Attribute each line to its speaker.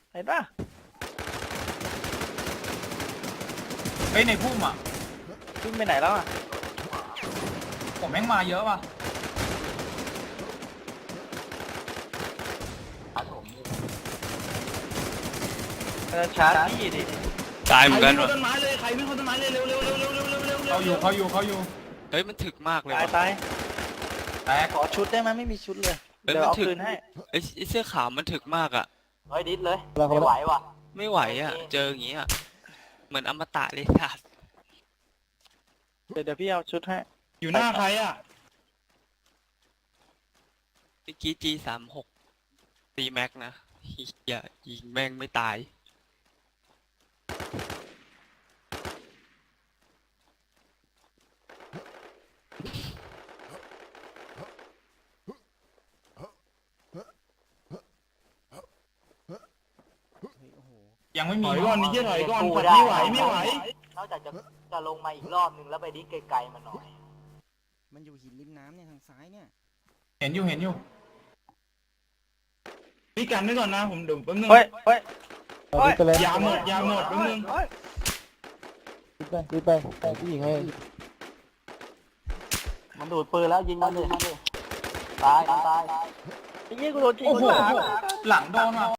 Speaker 1: เห็นปะ
Speaker 2: เฮ้ยในพุ่มอ่ะ
Speaker 1: วิ่งไปไหนแล้วอ่ะ
Speaker 2: ผมแม่งมาเยอะว่ะ
Speaker 1: ชาร์จพี่ดิ
Speaker 3: ตายเหมือนกัน
Speaker 4: ใครวิ่ง
Speaker 3: วะ
Speaker 4: เข้าต้นไม้เลยใครวิ่งเข้าต้นไม้เลยเร็วเร็วเร็วเร็วเร็วเร็วเร็ว
Speaker 2: เขาอยู่
Speaker 3: เฮ้ยมันถึกมากเลย
Speaker 1: ตายว
Speaker 3: ะ
Speaker 1: ตาย
Speaker 2: แตก
Speaker 1: ขอชุดได้ไหมไม่มีชุดเลย
Speaker 3: เฮ้ย
Speaker 1: เดี๋ยว
Speaker 3: มัน
Speaker 1: เอา
Speaker 3: ถึก
Speaker 1: คืนให้
Speaker 3: ไอ้เสื้อขาวมันถึกมากอ่ะ
Speaker 5: เฮ้ยดิสเลยไม่ไหวว่ะ
Speaker 3: ไม่ไหวอ่ะ เจออย่างงี้อ่ะเหมือนอมตะเลยสัส
Speaker 1: เดี๋ยวพี่เอาชุดให้
Speaker 4: อยู่หน้าใครอ่ะ
Speaker 3: เมื่อกี้ G36 ตีแม็กนะเฮียยิงแม่งไม่ตาย
Speaker 2: ยังไม่
Speaker 4: ถ
Speaker 2: มี
Speaker 4: อยก่อนนี่เหี้ยถอยก่อนปัดไม่ไหวไม่ไหว
Speaker 5: นอกจากจะลงมาอีกรอบนึงแล้วไปดิสไกลๆมันหน่อย
Speaker 6: มันอยู่หินริมน้ำเนี่ยทางซ้ายเนี่ย
Speaker 2: เห็นอยู่
Speaker 4: พี่กันไว้ก่อนนะผมเดี๋ยวแป๊บนึง
Speaker 1: เฮ้ยเฮ้ย
Speaker 4: ยาหมดแป๊บนึง
Speaker 6: รีบไปผู้หญิงให้
Speaker 5: มันดูดปืนแล้วยิงมันเลยตาย
Speaker 1: ไอ้เหี้ยกูโดนจริง
Speaker 2: โอ้โห
Speaker 1: ข้างหลัง
Speaker 2: หลังโดนว่ะ